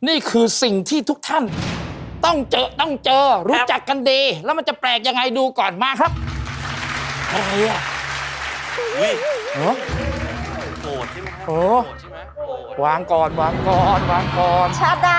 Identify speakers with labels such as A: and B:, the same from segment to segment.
A: นี่คือสิ่งที่ทุกท่านต้องเจอรู้จักกันดีแล้วมันจะแปลกยังไงดูก่อนมาครับอะไรอ่ะ
B: อุ้ย
A: เนาะ
B: โกรธใช่ไหมครับ
A: โอ้
B: โกรธใช่ไหมโกรธ
A: วางก่อนวางก่อน
C: ชาดา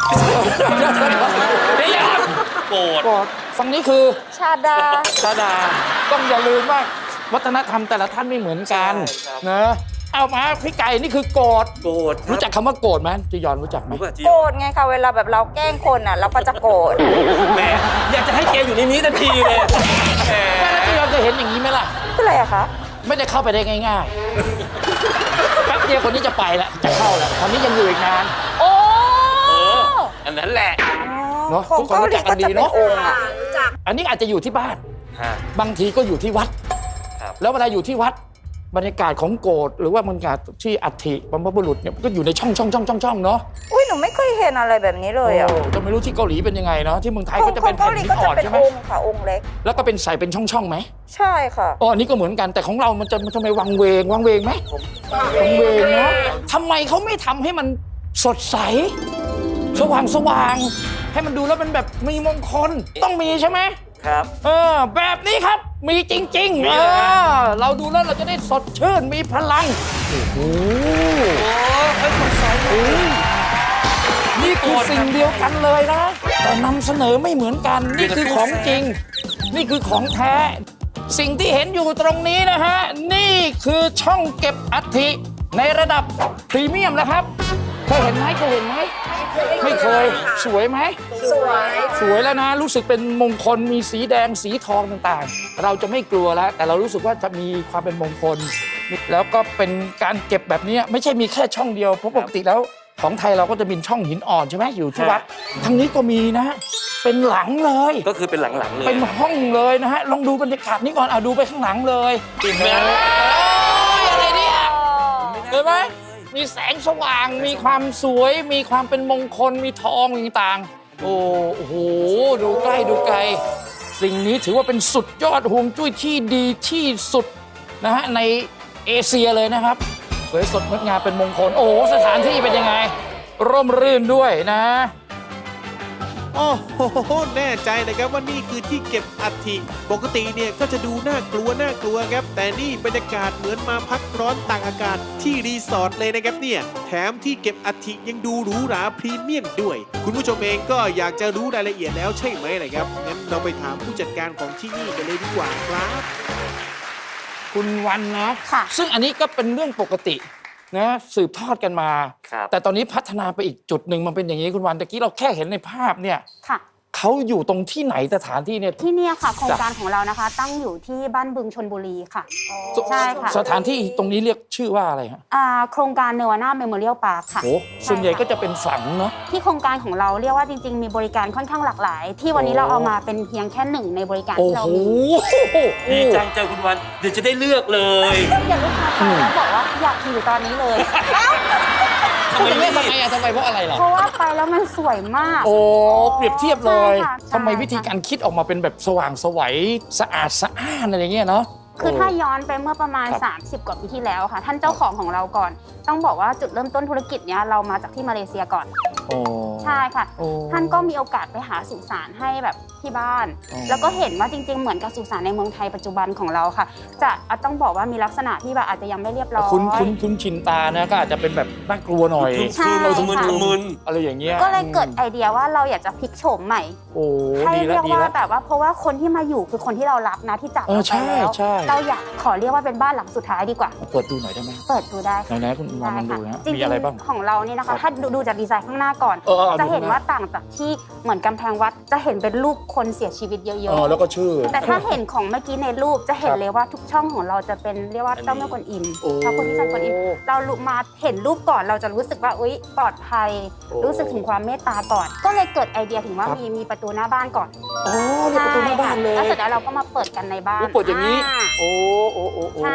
A: เดี๋ยว
B: โกรธ
A: ก่อนฝั่งนี้คือ
C: ชาดา
A: ชาดาต้องอย่าลืมว่าวัฒนธรรมแต่ละท่านไม่เหมือนกันนะเอามาพี่ไก่นี่คือโกรธ
B: โกรธ
A: รู้จักคำว่าโกรธไหมจียอนรู้จักไหม
B: รู้ป่ะจี
C: โกรธไงคะเวลาแบบเราแกล้งคนอ่ะเราก็จะโกรธ
B: แหมอยากจะให้แกอยู่ในนี้ทันทีเลยแหม
A: แล้วจียอนจะเห็นอย่างนี้ไหมล่ะ
C: คืออะไรอะคะ
A: ไม่ได้เข้าไปได้ง่ายๆแป๊บเดียวคนนี้จะไปละจะเข้าละคนนี้ยังอยู่อีกนาน
C: โอ้
B: อันนั้นแหละ
A: เนอะ
C: ของ
A: ทุกคน
C: เกา
A: รู้
C: หลี
A: จักกั
C: ก็
A: นดี
C: จะเป็น
A: เนอะ
C: องค์อะ
A: อันนี้อาจจะอยู่ที่บ้าน
B: ฮะ
A: บางทีก็อยู่ที่วัด
B: ครับ
A: แล้วเวลาอยู่ที่วัดบรรยากาศของโกรธหรือว่าบรรยากาศที่อัฐิบรรพบุรุษเนี่ยมันก็อยู่ในช่องเนาะ
C: อุ้ยหนูไม่เคยเห็นอะไรแบบนี้เลยอ่ะ
A: โอ้จะไม่รู้ที่เกาหลีเป็นยังไงเนาะที่เมืองไทย
C: ขอ
A: ก็
C: ง
A: จะ
C: ขอ
A: เป็
C: ง
A: น
C: เกา
A: แผ่น
C: หลี
A: หิน
C: ก็
A: อ่
C: จะ
A: อน
C: เป็น
A: ใช่ไหม
C: องค์ค่ะองค์เล็ก
A: แล้วก็เป็นใส่เป็นช่องไหม
C: ใช่ค่ะ
A: อ๋ออันนี้ก็เหมือนกันแต่ของเรามันทำไมวังเวงไหมวังเวงเนาะทำไมเขาไม่ทำให้มันสดใสสว่างให้มันดูแล้วมันแบบมีมงคลต้องมีใช่ไหม
B: ครับ
A: แบบนี้ครับมีจริงๆ
B: มีเลยฮะ
A: เราดูแล้วเราจะได้สดชื่นมีพลังโอ้โห
B: โอ้ยสดใสเลย
A: นี่คือสิ่งเดียวกันเลยนะ แต่นำเสนอไม่เหมือนกัน นี่คือของจริง นี่คือของแท้ สิ่งที่เห็นอยู่ตรงนี้นะฮะ นี่คือช่องเก็บอัฐิในระดับพรีเมียมแล้วครับเคยเห็นไหมไม่เคยสวยไหมสวยแล้วนะ รู้สึกเป็นมงคลมีสีแดงสีทองต่างๆ เราจะไม่กลัวแล้ว แต่เรารู้สึกว่าจะมีความเป็นมงคล แล้วก็เป็นการเก็บแบบนี้ไม่ใช่มีแค่ช่องเดียวเพราะปกติแล้วของไทยเราก็จะมีช่องหินอ่อนใช่ไหมอยู่ที่วัดทางนี้ก็มีนะ เป็นหลังเลย
B: ก็คือเป็นหลังๆเลย
A: เป็นห้องเลยนะฮะลองดูบรรยากาศนี้ก่อนดูไปข้างหลังเลย
B: เห็นไหม
A: อะไรเนี่ยเห็นไหมมีแสงสว่างมีความสวยมีความเป็นมงคลมีทองต่างๆโอ้โหดูใกล้ดูไกล สิ่งนี้ถือว่าเป็นสุดยอดฮวงจุ้ยที่ดีที่สุดนะฮะในเอเชียเลยนะครับสวยสดงดงามเป็นมงคลโอ้โหสถานที่เป็นยังไงร่มรื่นด้วยนะ
D: โอ้โหแน่ใจนะครับว่านี่คือที่เก็บอัฐิปกติเนี่ยก็จะดูน่ากลัวครับ แต่นี่บรรยากาศเหมือนมาพักร้อนตากอากาศที่รีสอร์ทเลยนะครับเนี่ยแถมที่เก็บอัฐิยังดูหรูหราพรีเมียมด้วย คุณผู้ชมเองก็อยากจะรู้รายละเอียดแล้วใช่ไหมล่ะครับงั้นเราไปถามผู้จัดการของที่นี่กันเลยดีกว่าครับ
A: คุณวันนะ
C: ค่ะ
A: ซึ่งอันนี้ก็เป็นเรื่องปกตินะสืบทอดกันมา
B: ครับ
A: แต่ตอนนี้พัฒนาไปอีกจุดหนึ่งมันเป็นอย่างนี้คุณวันตะกี้เราแค่เห็นในภาพเนี่ย
E: ค่ะ
A: เขาอยู่ตรงที่ไหนสถานที่เนี่ย
E: ที่เนี่ยค่ะโครงการของเรานะคะ ตั้งอยู่ที่บ้านบึงชลบุรีค่ะ ใช่ค่ะ
A: สถานที่ตรงนี้เรียกชื่อว่าอะไรฮะ
E: โครงการเนวาน่าเมโมเรียลพาร์คค่ะ
A: โอ้ส่วนใหญ่ก็จะเป็นฝังเนาะ
E: ที่โครงการของเราเรียกว่าจริงๆ มีบริการค่อนข้างหลากหลาย ที่วันนี้
A: โอ้
E: เราเอามาเป็นเพียงแค่หนึ่งในบริการ
A: โอ้
E: ที่เรา
A: โห
E: มี
B: ดีจังเจอคุณวัน เดี๋ยวจะได้เลือกเลย
E: อย่าลูกค้าไปแล้วบอกว่าอยากอยู่ตอนนี้เลย
A: พูดอย่างนี้ทำไมอะทำไมเพราะอะไรล่ะ
E: เพราะว่าไปแล้วมันสวยมาก
A: โอ้เปรียบเทียบเลย
E: ใช่ค่ะ
A: ทำไมวิธีการคิดออกมาเป็นแบบสว่างไสวัยสะอาดสะอ้านอะไรเงี้ยเนาะ
E: คือถ้าย้อนไปเมื่อประมาณ
A: ครับ
E: 30 กว่าปีที่แล้วค่ะ ท่านเจ้าของของเราก่อน ต้องบอกว่าจุดเริ่มต้นธุรกิจเนี้ยเรามาจากที่มาเลเซียก่อน
A: โอ้
E: ใช่ค่ะ
A: โอ้
E: ท่านก็มีโอกาสไปหาสุสานให้แบบที่บ้าน
A: อ๋อ
E: แล้วก็เห็นว่าจริงๆ เหมือนกับสุสานในเมืองไทยปัจจุบันของเราค่ะ จะต้องบอกว่ามีลักษณะที่แบบอาจจะยังไม่เรียบร้อย
A: คุ้นชินตานะก็อาจจะเป็นแบบน่ากลัวหน่อย
E: ใช่
B: เราทุมึน
A: อะไรอย่างเงี้ย
E: ก็เลยเกิดไอเดียว่าเราอยากจะพลิกโฉมใหม่
A: โอ้
E: ให้
A: ดีแล้
E: เรี
A: วย
E: ก
A: ดี
E: ว่า
A: แล้ว
E: แบบว่าเพราะว่าคนที่มาอยู่คือคนที่เรารักนะที่จาก
A: เออ
E: เราไปแล้ว
A: ใช่
E: เราอยากขอเรียกว่าเป็นบ้านหลังสุดท้ายดีกว่า
A: เปิดดูหน่อยได้ไหม
E: เปิดดูได้ค่ะ
A: ไหนๆคุณวันลองดูนะ
E: จริง
A: มีอะไรบ้าง
E: ๆของเรานี่นะ
A: ครั
E: คะ
A: บ
E: ถ้าดูจากดีไซน์ข้างหน้าก่อน
A: เอา
E: จะเห็น
A: ดู
E: ว่าต่างจากที่เหมือนกำแพงวัดจะเห็นเป็นรูปคนเสียชีวิตเยอะ
A: แล้วก็ชื่อ
E: ๆ แต่ถ้าเห็นของเมื่อกี้ในรูปจะเห็น
A: ครับ
E: เลยว่าทุกช่องของเราจะเป็นเรียกว่าเจ้าแม่กวนอิม
A: โอ้
E: พระโพธิสัตว์กวนอิมเรามาเห็นรูปก่อนเราจะรู้สึกว่าอุ๊ยปลอดภัย
A: โอ้
E: รู้สึกถึงความเมตตาก่อน ก็เลยเกิดไอเดียถึงว่า
A: ครับ
E: มีประตูหน้าบ้านก่อน
A: โอ้เนี่ยประตูหน้าบ้านเลย
E: แล้วเสร็จแล้วเราก็มาเปิดกันในบ้าน
A: โอ้เปิดอย่างนี้ โอ้
E: ใช่ค่ะ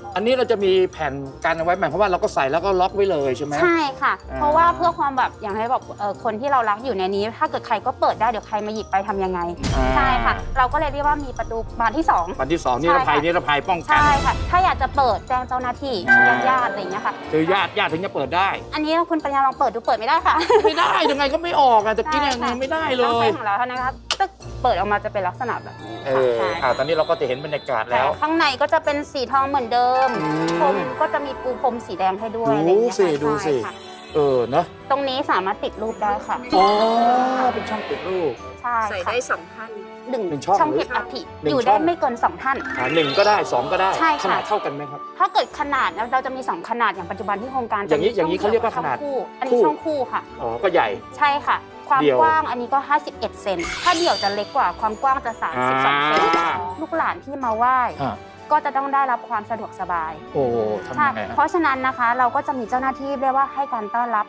A: อันนี้เราจะมีแผ่นกันเอาไว้หมายความว่าเราก็ใส่แล้วก็ล็อกไว้เลยใช่ไหม
E: ใช่ค่ะ
A: อ่า
E: เพราะว่าเพื่อความแบบอย่างให้แบบคนที่เรารักอยู่ในนี้ ถ้าเกิดใครก็เปิดได้เดี๋ยวใครมาหยิบไปทำยังไง ใช่ค่ะ เราก็เลยเรียกว่ามีประตูบานที่2
A: วันที่ 2 นิรภัย
E: ใช่ค่ะ
A: นิรภัยป้องกัน
E: ใช่ค่ะ ถ้าอยากจะเปิดแจ้งเจ้าหน้าที่
A: อ่า
E: ญาติๆอะไรอย่างเงี้ยค่ะ
A: คือญาติถึงจะเปิดได้
E: อันนี้คุณปัญญาลองเปิดดูเปิดไม่ได้ค่ะ
A: ไม่ได้ยังไงก็ไม่ออกอ่ะจะกินยังไงไม่ได้เล
E: ต้อง
A: ย
E: ใช้ของเราเท่านั้นครับตึ๊กเปิดออกมาจะเป็นลักษณะแบบนี้
A: เออ
E: ค่ะ
A: ตอนนี้เราก็จะเห็นบรรยากาศ
E: ใช่
A: แล้ว
E: ข้างในก็จะเป็นสีทองเหมือนเดิม
A: อืม
E: พรมก็จะมีปูพรมสีแดงให้ด้วย
A: ดู
E: อะไรอย่างเงี้ย
A: สิ
E: ค่ะ
A: ดูสิ
E: ใช่ค่ะ
A: เนอะ
E: ตรงนี้สามารถติดรูปได้ค่ะ
A: อ๋อเป็นช่องติดรูป
E: ใช่
C: ใส่
E: ค่ะ
C: ได้2ท่าน
E: หนึ่ง
A: หนึ่งช่อง
E: ช่อง
A: หรือ
E: เก็บอัฐิ
A: หนึ่ง
E: อยู่
A: ช่
E: ได้
A: อง
E: ไม่เกิน2ท่าน
A: 1ก็ได้ 2 ก็ได้
E: ใช่ค่ะ
A: ขนาดเท่ากันไหมครับ
E: ถ้าเกิดขนาดนะเราจะมี 2 ขนาดอย่างปัจจุบันที่โครงการ
A: อย่างนี้
E: จะมี
A: อย่างนี้เขาเรียกว่าขนาด
E: ช่องคู่อัน
A: คู่
E: นี้ช่องคู่ค่ะ
A: อ๋อก็ใหญ่
E: ใช่ค่ะ ความ
A: เดี่ยว
E: กว้างอันนี้ก็ 51 เซนถ้าเดี่ยวจะเล็กกว่าความกว้างจะ 32 เซน
A: อ่า
E: ลูกหลานที่มาไหว้
A: อ่ะ
E: ก็จะต้องได้รับความสะดวกสบาย
A: โอ้ทำ
E: ใช่
A: ยังไง
E: เพ
A: ฮะ
E: ราะฉะนั้นนะคะเราก็จะมีเจ้าหน้าที่เรียกว่าให้การต้อนรับ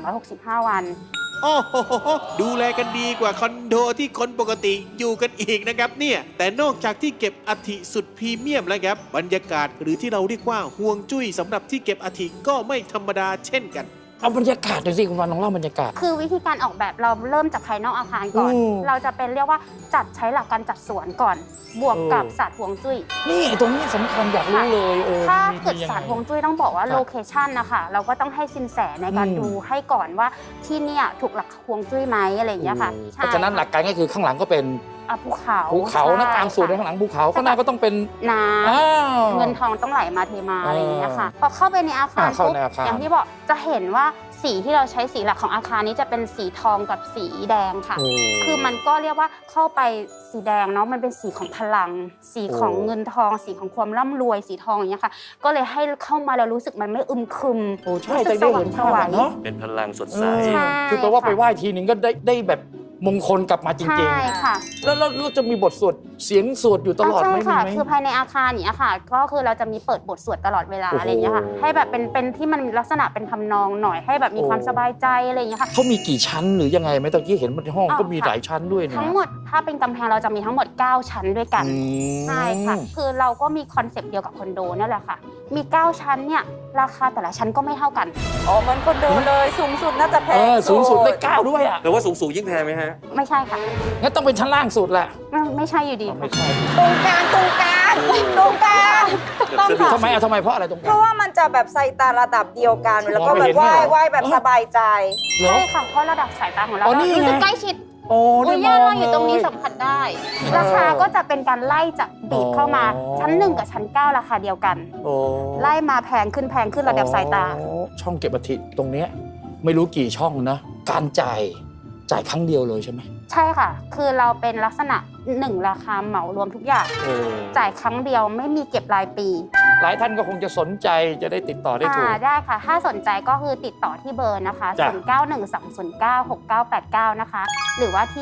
E: 365 วัน
D: โอ้โหดูแลกันดีกว่าคอนโดที่คนปกติอยู่กันอีกนะครับเนี่ยแต่นอกจากที่เก็บอัฐิสุดพรีเมียมแล้วครับบรรยากาศหรือที่เราเรียกว่าห่วงจุ้ยสำหรับที่เก็บอัฐิก็ไม่ธรรมดาเช่นกัน
A: เอาบรรยากาศหน่อยสิคุณวันลองเล่าบรรยากาศ
E: คือวิธีการออกแบบเราเริ่มจากภายนอกอาคารก่อน
A: อืม
E: เราจะเป็นเรียกว่าจัดใช้หลักการจัดสวนก่อน บวกกับศาสตร์ฮวงจุ้ย
A: นี่ตรงนี้สำคัญอยากรู้เลย
E: ถ้า
A: มี
E: เกิด
A: ยังไง
E: ศาสตร์ฮวงจุ้ยต้องบอกว่า
A: ครับ
E: โลเคชันนะคะเราก็ต้องให้สินแสในการ
A: อืม
E: ดูให้ก่อนว่าที่เนี่ยถูกหลักฮวงจุ้ยไหมอะไรอย่างเงี้ยค่ะ
A: เพราะฉะนั้นหลักการก็คือข้างหลังก็เป็น
E: ภูเขา
A: ภูเขานะ
E: ใช่
A: กลางสวนข้างหลังภูเขาข้างหน้าก็ต้องเป็น
E: น้
A: อ้าว
E: ำเงินทองต้องไหลมาเทมาอะไรอย่างเงี้ยค่ะพอเข้าไปในอาคาร
A: เข้า
E: ปุ๊บ
A: ในอาคาร
E: อย่างที่บอกจะเห็นว่าสีที่เราใช้สีหลักของอาคารนี้จะเป็นสีทองกับสีแดงค่ะ
A: โอ้
E: คือมันก็เรียกว่าเข้าไปสีแดงเนาะมันเป็นสีของพลัง สีของ
A: โอ้
E: เงินทอง สีของความร่ำรวยสีทองอย่างเงี้ยค่ะ ก็เลยให้เข้ามาแล้วรู้สึกมันไม่อึมครึม
A: โอ้ใช่แต่ได้เห็นภาพอะเนาะ
B: เป็นพลังสดใส
E: ใช่
A: คือแปลว่าไปไหว้ทีนึงก็ได้แบบมงคลกลับมาจริง
E: ใช่ค่ะ
A: ๆ แล้วเราจะมีบทสวดเสียงสวดอยู่ตลอดไหม
E: ใช่ค่ะ
A: มีไหม
E: คือภายในอาคารอย่างเนี้ยค่ะ ก็คือเราจะมีเปิดบทสวดตลอดเวลา
A: โอ้โห
E: อะไรอย่างเงี้ยค่ะ ให้แบบเป็นที่มันลักษณะเป็นทำนองหน่อย ให้แบบมีความ
A: โอ้
E: สบายใจอะไรอย่างเงี้ยค่ะ
A: เขามีกี่ชั้นหรือยังไงไหมตะกี้เห็นมันห้อง
E: อ้าว
A: ก็มี
E: ค่ะ
A: หลายชั้นด้วยนะ
E: ทั้งหมดถ้าเป็นกำแพงเราจะมีทั้งหมด 9 ชั้นด้วยกัน
A: อืม
E: ใช่ค่ะ คือเราก็มีคอนเซปต์เดียวกับคอนโดนั่นแหละค่ะ มี 9 ชั้นเนี่ย ราคาแต่ละชั้นก็ไม่เท่ากัน
C: อ๋อเหมันคอนโดเลยสูงสุดน่าจะแพง
A: สูงสุดได้9ด้วยอ่ะ
B: แปลว่าสูงยิ่งแพงไหมฮะ
E: ไม่ใช่ค่ะ
A: งั้นต้องเป็นชั้นล่างสุดแหละ
E: ไม่ใช่อยู่ดี
A: ไม่ใช่
C: ตรงกลางตรงกลางตรงกลาง
E: ต้องค่ะ
A: ทำไมทำไมเพราะอะไรตรงก
C: เพ
A: ลาง
C: ราะว่ามันจะแบบใส่ตาระดับเดียวกัน แล้วก็
A: มอง
C: แบ
A: ไม่
C: บ
A: เห็น
C: ไหว้
A: เนี่ยเหรอ
C: ไหว้แบบสบายใจ
A: เหรอ
E: ใช่ค่ะ เพราะระดับสายตาของเรา
A: อ๋อนี่
E: รู้สึก
A: ไง
E: ใกล้ชิด
A: โอ้
E: โอ้
A: ได้
E: ย
A: ม
E: ย่า
A: อง
E: เราอยู่ตรงนี้
A: เลย
E: สัมผัสได้ ราคาก็จะเป็นการไล่จากบีบเข้ามา
A: อ๋อ
E: ชั้น 1 กับชั้น 9 ราคาเดียวกัน
A: โอ้
E: ไล่มาแพงขึ้นระดับสายตา
A: อ๋อช่องเก็บอัฐิตรงเนี้ยไม่รู้กี่ช่องนะ การจ่ายครั้งเดียวเลยใช่ไหม
E: ใช่ค่ะ คือเราเป็นลักษณะ 1 ราคาเหมารวมทุกอย่าง
A: โอ้
E: จ่ายครั้งเดียวไม่มีเก็บรายปี
A: หลายท่านก็คงจะสนใจจะได้ติดต่อได้ถูก
E: ได้ค่ะ ถ้าสนใจก็คือติดต่อที่เบอร์นะคะ
A: จ้ะ
E: 0912096989 นะคะ หรือว่าที่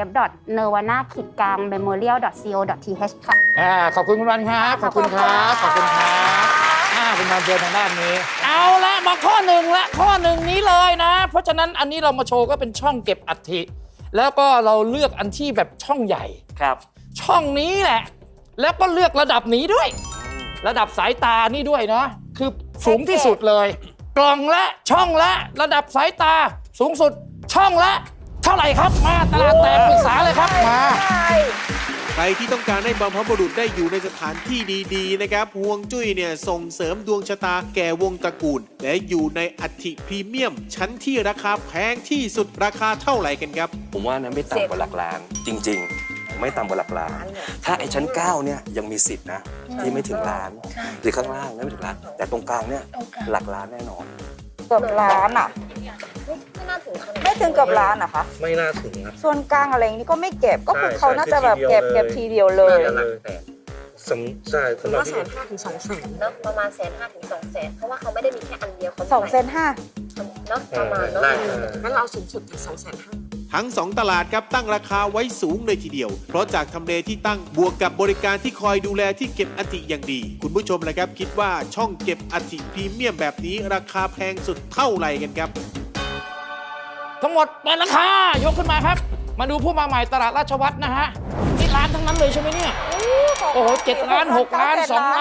E: www.nirvana-memorial.co.th ค่ะ
A: ขอบคุณคุณวันครับขอบคุณครับขอบคุณครับคุณวันเจอทางด้านนี้ เอาละมาข้อหนึ่งละข้อหนึ่งนี้เลยนะ เพราะฉะนั้นอันนี้เรามาโชว์ก็เป็นช่องเก็บอัฐิแล้วก็เราเลือกอันที่แบบช่องใหญ่
B: ครับ
A: ช่องนี้แหละ แล้วก็เลือกระดับนี้ด้วย ระดับสายตานี่ด้วยเนาะคือสูงที่สุดเลย กล่องละช่องละระดับสายตาสูงสุดช่องละเท่าไหร่ครับมาตลาดแตกปรึกษาเลยครับมา
D: ใครที่ต้องการให้บรรพบุรุษได้อยู่ในสถานที่ดีๆนะครับห่วงจุ้ยเนี่ยส่งเสริมดวงชะตาแก่วงตระกูล และอยู่ในอัฐิพรีเมียม ชั้นที่ราคาแพงที่สุดราคาเท่าไหร่กันครับ
B: ผมว่านะไม่ต่ำกว่าหลักล้าน จริง ๆ ไม่ต่ำกว่าหลักล้าน ถ้าไอ้ชั้น 9 เนี่ยยังมีสิทธินะ ที่ไม่ถึงล้าน หรือข้างล่างไม่ถึงล้าน แต่ตรงกลางเนี่ยหลักล้านแน่นอน
C: เกือบล้านอ่ะ ไม่ถึงเกือบล้านนะคะ
F: ไม่น่าถึงครับ
C: ส่วนกลางอะไรอย่างนี้ก็ไม่เก็บ ก็คือ
F: ใช่
C: เขาน่าจะแบบ
F: คือทีเดียว
C: เก็บทีเดียวเลย
F: น่าจะหลักแสนใช่สำหรับ
G: ว่า
F: ที่
G: 150,000 ถึง 200,000เนอะประมาณ150,000 ถึง 200,000เพราะว่าเขาไม่ได้มีแค่อันเดียวเขามี
C: 2 เซนห้า
G: เนาะประมาณเนาะ
F: ได้
G: งั้นเราเอาสูงสุดถึง 250,000
D: ทั้ง 2 ตลาดครับตั้งราคาไว้สูงเลยทีเดียว เพราะจากทำเลที่ตั้งบวกกับบริการที่คอยดูแลที่เก็บอัฐิอย่างดี คุณผู้ชมละครับคิดว่าช่องเก็บอัฐิพรีเมียมแบบนี้ราคาแพงสุดเท่าไหร่กันครับ
A: ทั้งหมดเปิดราคายกขึ้นมาครับ มาดูผู้มาใหม่ตลาดราชวัฒน์นะฮะนี่ล้านทั้งนั้นเลยใช่ไหมเนี่ยโอ้โห7 ล้าน 6 ล้าน 2 ล้าน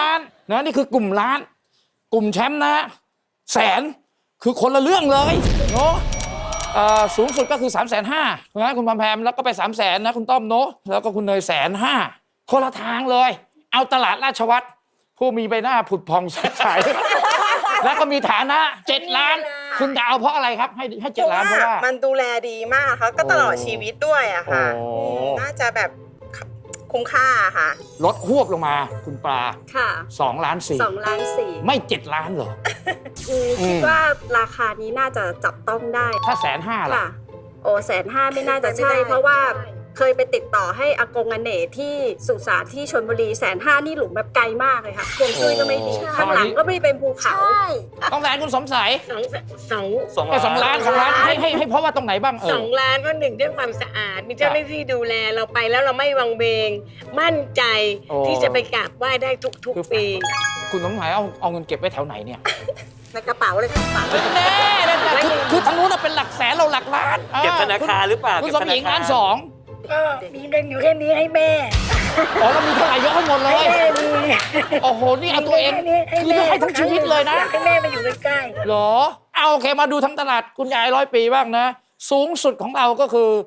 A: นะนี่คือกลุ่มล้าน กลุ่มแชมป์นะแสนคือคนละเรื่องเลยเนาะสูงสุดก็คือ 350,000นะคุณพามแพมแล้วก็ไป 300,000นะคุณต้อมเนาะแล้วก็คุณเนย150,000คนละทางเลย เอาตลาดราชวัตรผู้มีใบหน้าผุดพองสดใส แล้วก็มีฐานะ7 ล้าน คุณจะเอาเพราะอะไรครับให้7 ล้านเพราะว่า
H: มันดูแลดีมากค่ะก็ตลอดชีวิตด้วยอะค่ะ
A: โอ้
H: น่าจะแบบคุ้มค่าค่ะ
A: ลดหวบลงมาคุณปลา
G: ค่ะ
A: 2 ล้าน
G: 2 ล้าน 4
A: ไม่7 ล้านเหรอ
G: คิดว่าราคานี้น่าจะจับต้องได้
A: ถ้า150,000ล่ะ
G: ค่ะ โอ้150,000ไม่น่าจะใช่ เพราะว่าเคยไปติดต่อให้อากงอเนกที่สุสานที่ชลบุรี150,000นี่หลุมแบบไกลมากเลยค่ะฮวงจุ้ยก็ไม่ดี
A: โอ้
G: ข้างหลังก็ไม่ได้เป็นภูเขา
A: ต้องแสนคุณสมใส
G: สอง
A: 2 ล้านให้เพราะว่าตรงไหนบ้าง
I: 2
A: เออ
I: ล้านเพราะหนึ่งเรื่องความสะอาด มีเจ้าหน้าที่ดูแลเราไปแล้วเราไม่วังเวง มั่นใจ
A: โอ้
I: ที่จะไปกราบไหว้ได้ทุกๆปี
A: คุณสมหมายเอาเงินเก็บไว้แถวไหนเนี่ย
H: ในกระเป๋าเลยค่ะกระเป๋า
A: แน่คือทางนู้นเป็นหลักแสนเราหลักล้าน
B: เก็บธนาคารหรือเปล่า
A: คุณ
B: เก็บ
A: สม
B: ธ
A: หญิง
B: คร
A: ล้านสอง
H: ก็มีเงินอยู่แค่นี้ให้แม่
A: อ๋อเรามีเท่าไหร่ยกให้หมดเลย โอ้โห นี่เอาตัวเองคือให้ทั้งชีวิตเลยนะ
H: ให้แม่มาอยู่ใกล้
A: เหรอ เอาโอเคมาดูทั้งตลาดคุณยาย100 ปีบ้างนะ สูงสุดของเราก็คือ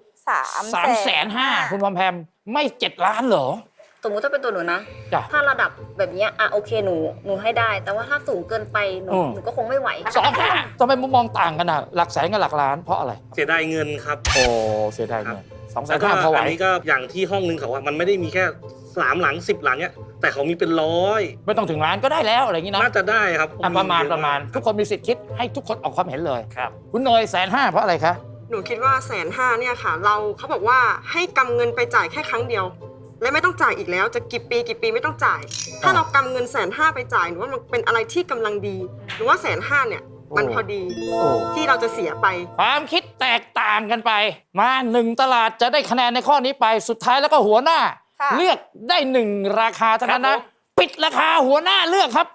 A: 350,000คุณพอมแพมไม่ 7 ล้านเหรอ
G: สมมุติถ้าเป็นตัวหนูนะ
A: จ้ะ
G: ถ้าระดับแบบเนี้ยโอเคหนูให้ได้ แต่ว่าถ้าสูงเกินไปหนูก็คงไม่ไหว
A: 25,000ทำไมมุมมองต่างกันอ่ะ หลักแสนกับหลักล้านเพราะอะไร
F: เสียดายเงินครับ
A: โอ้เสียดายเงิน
F: แล้วก็
A: 250,000พอไหว
F: อันนี้ก็อย่างที่ห้องนึงเขาว่ามันไม่ได้มีแค่3 หลัง 10 หลังเนี่ยแต่เขามีเป็น100
A: ไม่ต้องถึงล้านก็ได้แล้วอะไรอย่างนี้นะ
F: น่าจะได้ครับ
A: ประมาณทุกคนมีสิทธิ์คิดให้ทุกคนออกความเห็นเลย
B: ครับ
A: คุณเนย150,000เพราะอะไรคะ
H: ๆ หนูคิดว่า150,000เนี่ยค่ะ เขาบอกว่าให้กำเงินไปจ่ายแค่ครั้งเดียว และไม่ต้องจ่ายอีกแล้วจะกี่ปีไม่ต้องจ่าย ถ้าเรากำเงิน150,000ไปจ่ายหนูว่ามันเป็นอะไรที่กำลังดีหนูว่า150,000เนี่ยมันพอดี
A: โอ้
H: ที่เราจะเสียไป
A: ความคิดแตกต่างกันไป มา1 ตลาดจะได้คะแนนในข้อนี้ไปสุดท้ายแล้วก็หัวหน้า
C: ค่ะ
A: เลือกได้1 ราคาเท่านั้น
B: ครั
A: นะ
B: บผม
A: ปิดราคาหัวหน้าเลือกครับ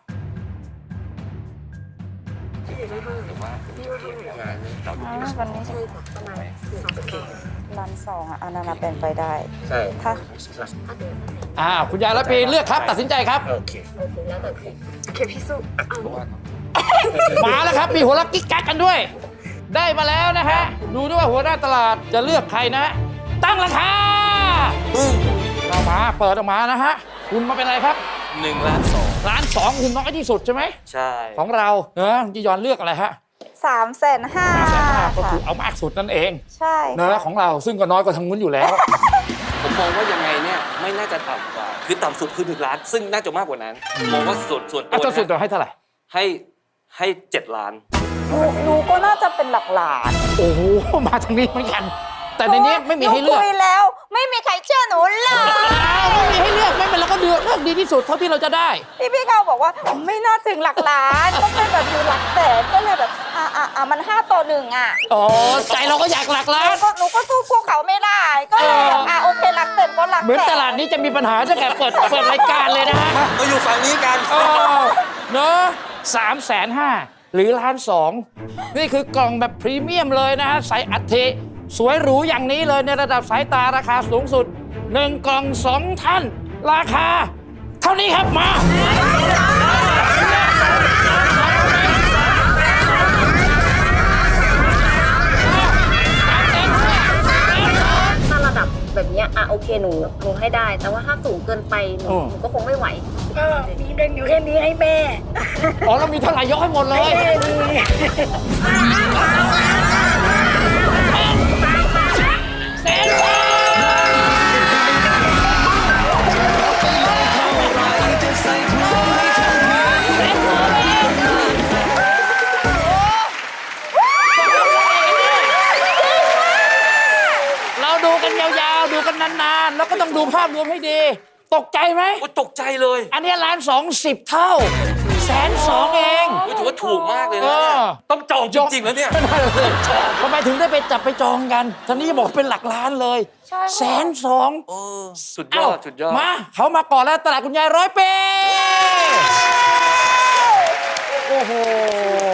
C: วันนี้ใช่ประมาณล้านสองอันนั้นเป็นไปได้
F: ใช่
C: ถ้า
A: คุณยาย100 ปีเลือกครับตัดสินใจครับ
F: โอเค
G: แล้วแต่พี่
H: โอเคพี่สู้
A: มาแล้วครับมีหัวลักกิ๊กกักกันด้วย ได้มาแล้วนะฮะดูด้วยว่าหัวหน้าตลาดจะเลือกใครนะ ตั้งราคาเรามาเปิดออกมานะฮะคุณมาเป็นอะไรครับ
B: 1 ล้าน 2
A: ล้านสองคุณน้อยที่สุดใช่ไหม
B: ใช่
A: ของเราเนอะจียอนเลือกอะไรฮะ
C: 350,000
A: ก็คื
C: ค่ะ
A: อเอามากสุดนั่นเอง
C: ใช่
A: เนอะของเราซึ่งก็น้อยกว่าทางนู้นอยู่แล้ว
B: ผมมองว่ายังไงเนี่ยไม่น่าจะต่ำกว่า คือต่ำสุดคือ1 ล้าน ซึ่งน่าจะมากกว่านั้นมองว่าส่วนตัว
A: เอาจนสุด
B: นะ
A: จะให้เท่าไหร่
B: ให้7 ล้าน
C: หนูก็น่าจะเป็นหลักล้าน
A: โอ้โห มาทางนี้เหมือนกัน แต่ในนี้ไม่มีให้เลือก
C: หนูคุยแล้ว ไม่มีใครเชื่อหนูเลย
A: ไม่มีให้เลือกไม่เป็นไรก็เลือกดีที่สุดเท่าที่เราจะได้
C: พี่เขาบอกว่าไม่น่าถึงหลักล้านต้องเป็นแบบอยู่หลักแสนก็เลยแบบมัน5-1อ่ะ
A: อ๋อ ใจเราก็อยากหลักล้าน
C: หนูก็สู้พวกเขาไม่ได้ ก็เลยแบบโอเคหลักแสนก็หลักแสน
A: เหมือนตลาดนี้จะมีปัญหาตั้งแต่เปิดรายการเลยนะฮะ
B: มาอยู่ฝั่งนี้กัน
A: เนอะ350,000หรือ1.2 ล้านนี่คือกล่องแบบพรีเมียมเลยนะฮะใส่อัฐิสวยหรูอย่างนี้เลยในระดับสายตาราคาสูงสุด 1 กล่อง 2 ท่าน ราคา เท่านี้ครับมา
G: ถ้าระดับแบบเนี้ยโอเคหนูให้ได้ แต่ว่าถ้าสูงเกินไปหนูก็คงไม่ไหว
H: ก็มีเงินอยู่แค่นี้ให้แม่
A: อ๋อเรามีเท่าไหร่ยกให้หมดเลย แสนบาเราดูกันยาวๆ ดูกันนานๆ แล้วก็ต้องดูภาพรวมให้ดี ตกใจไหม
B: โอ้ตกใจเลย
A: อันนี้1.2 เท่า1.2 เอง
B: ถือว่าถูกมากเลยนะเนี่ยต้องจองจริงๆแล้วเนี่ย
A: ทำไมถึงได้ไปจับไปจองกันท่านนี้บอกเป็นหลักล้านเลย1.2
B: โอ้สุดย
A: เอ้า
B: อด สุดยอด
A: มาเขามาก่อนแล้วตลาดคุณยาย100 ปี โอ้โห